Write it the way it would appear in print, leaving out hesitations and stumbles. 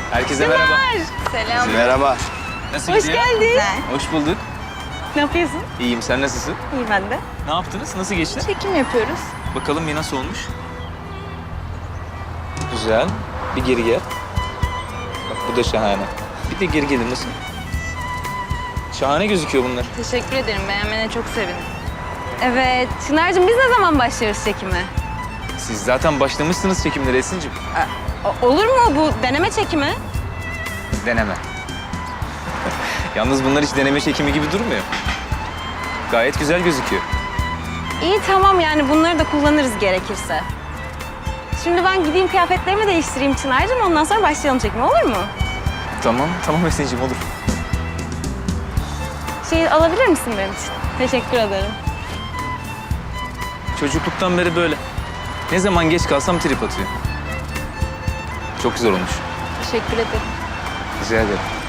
Herkese merhaba. Selam. Merhaba. Nasıl Hoş gidiyor? geldin. Hoş bulduk. Ne yapıyorsun? İyiyim, sen nasılsın? İyi ben de. Ne yaptınız? Nasıl geçti? Çekim yapıyoruz. Bakalım bir nasıl olmuş? Güzel. Bir geri gel. Bak bu da şahane. Bir de geri gelin nasıl? Şahane gözüküyor bunlar. Teşekkür ederim. Beğenmene çok sevindim. Evet. Çınar'cığım biz ne zaman başlıyoruz çekime? Siz zaten başlamışsınız çekimlere Esin'cim. Olur mu bu deneme çekimi? Deneme. Yalnız bunlar hiç deneme çekimi gibi durmuyor. Gayet güzel gözüküyor. İyi tamam yani bunları da kullanırız gerekirse. Şimdi ben gideyim kıyafetlerimi değiştireyim Çınar'cığım. Ondan sonra başlayalım çekime olur mu? Tamam Esin'cim olur. Şey alabilir misin benim için? Teşekkür ederim. Çocukluktan beri böyle. Ne zaman geç kalsam trip atıyor. Çok güzel olmuş. Teşekkür ederim. Rica ederim.